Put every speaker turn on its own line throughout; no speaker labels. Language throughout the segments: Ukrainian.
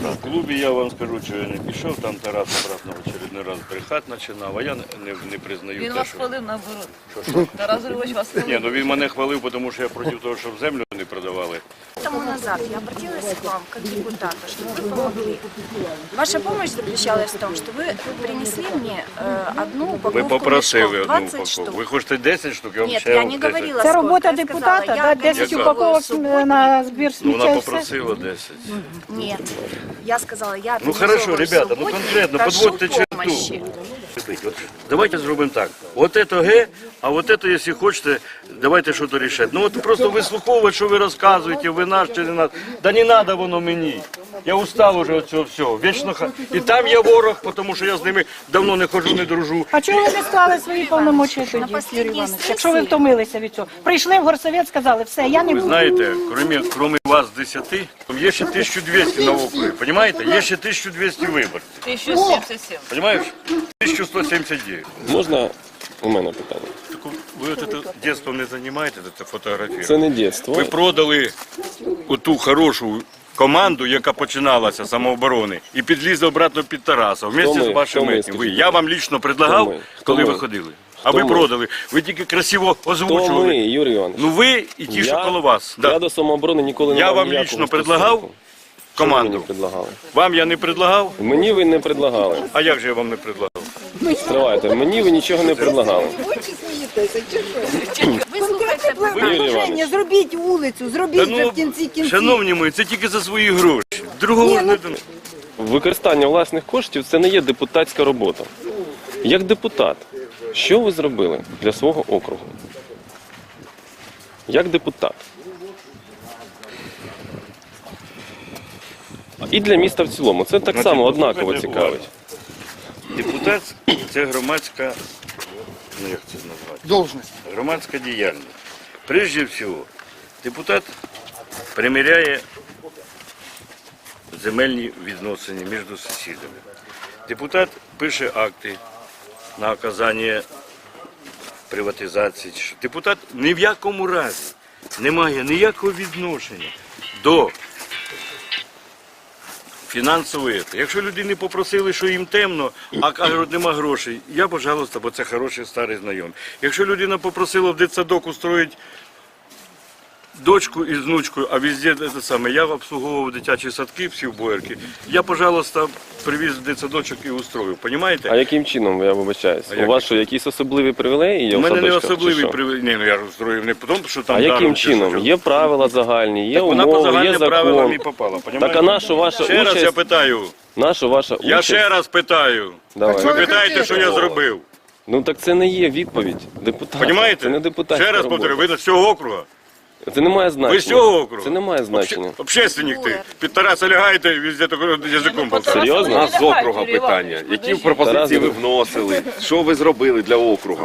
В клубі я вам скажу, що я не пішов, там Тарас обратно в очередний раз брехати починав, а я не признаю
Він
те,
вас
що...
хвалив наоборот. Тарас Григорович вас хвалив.
Ні, ну він мене хвалив, тому що я проти того, щоб землю не продавали.
Тому назад я обратилась к вам как депутату, чтобы вы помогли. Ваша помощь заключалась в том, что вы принесли мне одну упаковку
Ви попросили
мешков,
одну
20
упаковку.
штук.
Ви хочете 10 штук, я вам
Нет,
ще
я
вам
не
10.
говорила
Це
сколько.
робота
Я сказала,
депутата,
я
да, 10
организовываю
упаковок
субботник.
на збір
Ну,
сміття
вона
і все.
попросила 10.
Нет, я сказала, я
Ну хорошо,
организовываю
ребята, ну
субботник,
конкретно,
прошу
подводьте
помощи.
черту. От давайте зробимо так. Вот это Г, а вот это, якщо хочете, давайте щось рішати. Ну от просто вислуховувати, що ви розказуєте, ви наш чи не наш. Да не треба воно мені. Я устав уже від цього всього. Вічно і там є ворог, тому що я з ними давно не ходжу, не дружу.
А чого ви не склали свої повномочі тоді, Юрій Іванович? Якщо ви втомилися від цього. Прийшли в горсовет, сказали, все, я не
Ви
буду.
знаєте, крім вас 10, там є ще 1200 на округі, розумієте? Є ще 1200 виборців.
1077.
Розумієш? 1179.
Можна у мене питання?
Так ви от це дитинство не займаєте, це фотографію?
Це не дитинство.
Ви продали оту хорошу команду, яка починалася з самооборони, і підлізли обратно під Тараса, вместе
ми?
з вашим
Хто ми,
етнім.
скажіть?
Я вам лічно предлагав,
Хто ми?
коли
Хто
ви
ми?
ходили. А
Хто
ви
ми?
продали. Ви тільки красиво
Хто ми,
озвучували.
Юрій Іванович?
Ну ви і ті, що коло вас.
Я
Да.
до самооборони ніколи не
Я
мав
вам
ніякого
лічно
стосунку.
предлагав
Що ви мені
команду.
предлагали?
Вам я не предлагав,
Мені ви не предлагали.
а як же я вам не предлагав?
Стривайте, мені ви нічого не предлагали.
Вислухайте, будь ласка.
Юрій Іванович,
Зробіть вулицю, зробіть
Та
вже в кінці кінців.
шановні мої, це тільки за свої гроші. Другого не дано.
використання власних коштів – це не є депутатська робота. Як депутат, що ви зробили для свого округу? Як депутат? І для міста в цілому. Це так
Значить,
само однаково
послухайте
цікавить.
Депутат – це громадська, ну як це назвати?
Должность.
Громадська діяльність. Прежде всього, депутат приміряє земельні відносини між сусідами. Депутат пише акти на оказання приватизації. Депутат ні в якому разі не має ніякого відношення до фінансової. Якщо людини попросили, що їм темно, а кажуть, нема грошей, я, пожалуйста, бо це хороший старий знайомий. Якщо людина попросила в дитсадок устроїти дочку із внучкою, а везде те саме, я обслуговував дитячі садки, всі в Боярки, я, пожалуйста, привіз в дитсадочок і устроїв,
А
розумієте?
яким чином, я вибачаюсь?
А
У
як?
вас що, якісь особливі привілеї є
У
в
мене не
садочках, чи
особливий
що?
привід. Ні, ну я устроїв не тому, що там
А яким
даром чи
чином?
що.
Є правила загальні, є
Так вона по
умови, є
загальним правилам і
закон.
попала,
Так а
розумієте?
наша ваша
Ще раз я
участь?
питаю,
Наша ваша
я
участь?
ще раз питаю.
Давай.
Ви питаєте, що я зробив.
Ну так це не є відповідь депутата.
Понімаєте?
Це не депутатська
Ще раз
робота.
повторю, ви з цього округа.
Це не має значення.
Ви з цього округу?
Це не має значення.
Общественник ти. Під Тараса лягаєте і везде язиком болтаєте.
Серйозно?
У нас з округа питання. Які пропозиції ви вносили? Що ви зробили для округа?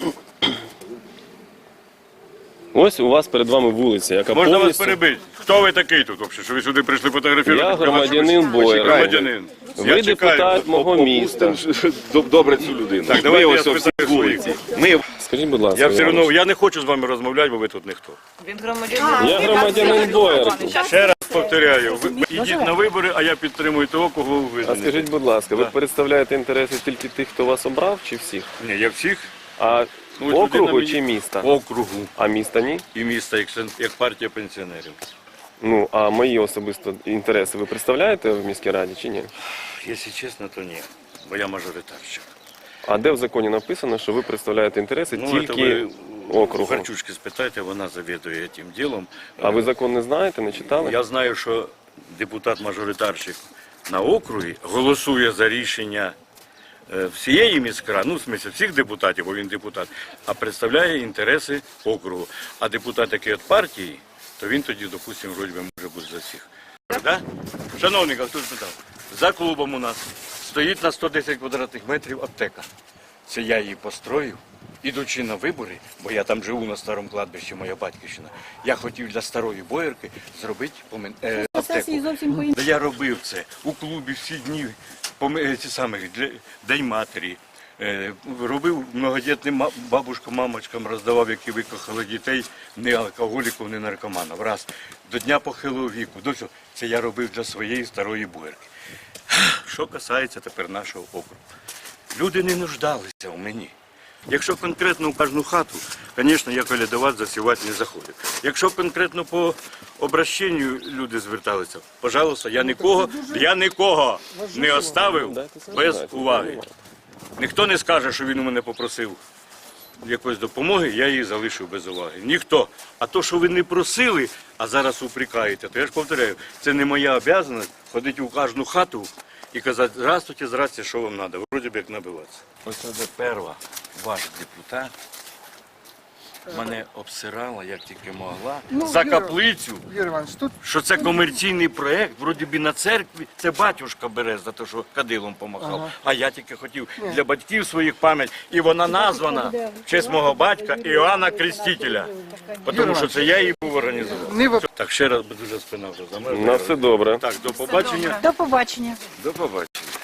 Ось у вас перед вами вулиця, яка
Можна вас
повністю...
перебити? Хто ви такий тут взагалі, що ви сюди прийшли фотографувати?
Я громадянин Боярки.
Громадянин.
Ви депутат мого міста.
Добре цю людину.
Так, давайте
Ми
я
ось всі
спитаю
з вулиці. Ми
Скажіть, будь ласка,
Я все
Іванович.
одно, я не хочу з вами розмовляти, бо ви тут ніхто.
Він громадянин.
Я громадянин Боярки.
Ще раз повторяю, ви йдіть на вибори, а я підтримую того, кого ви
А
визнаєте.
скажіть, будь ласка, ви
Да.
представляєте інтереси тільки тих, хто вас обрав, чи всіх?
Ні, я всіх
А
Ну, ось людина
округу
мені-
чи міста?
округу
А міста ні?
і міста, як партія пенсіонерів.
Ну, а мої особисто інтереси ви представляєте в міській раді чи ні?
Якщо чесно, то ні, бо я мажоритарщик.
А де в законі написано, що ви представляєте інтереси
Ну,
тільки
це ви
округу?
Харчучки спитайте, вона завідує цим ділом.
А ви закон не знаєте, не читали?
Я знаю, що депутат-мажоритарщик на округі голосує за рішення всієї міськради, ну, в смысле, всіх депутатів, бо він депутат, а представляє інтереси округу. А депутат, який від партії, то він тоді, допустимо, вроді би може бути за всіх. Да? Шановний, хто спитав, за клубом у нас стоїть на 110 квадратних метрів аптека. Це я її построїв, ідучи на вибори, бо я там живу на старому кладбищі, моя батьківщина. Я хотів для старої Боярки зробити аптеку.
Сесії зовсім по-іншому.
Да я робив це у клубі всі дні, ці самі, День матері. Робив многодітним бабушкам, мамочкам, роздавав, які викохали дітей, не алкоголіків, не наркоманів. Раз. До Дня похилого віку. До всього. Це я робив для своєї старої буерки. Що касається тепер нашого округу. Люди не нуждалися в мені. Якщо конкретно в кожну хату, звісно, я колядувати, засівати не заходив. Якщо конкретно по обращенню люди зверталися, пожалуйста, я нікого не оставив без уваги. Ніхто не скаже, що він у мене попросив якоїсь допомоги, я її залишив без уваги. Ніхто. А то, що ви не просили, а зараз упрекаєте, то я ж повторяю, це не моя обов'язаність ходити у кожну хату і казати, здравствуйте, що вам треба, вроді б як набиватися. Ось це перша ваш депутат мене обсирала, як тільки могла, за каплицю,
Юрій Іванович, тут
що це комерційний проєкт, вроді би на церкві, це батюшка бере за те, що кадилом помахав. А я тільки хотів для батьків своїх пам'ять, і вона названа в честь мого батька Іоанна Крестителя, тому що це я її був організував.
не в
Так, ще раз, бо дуже спина вже замерзла.
На все добре.
Так, до побачення.
До побачення.
До побачення.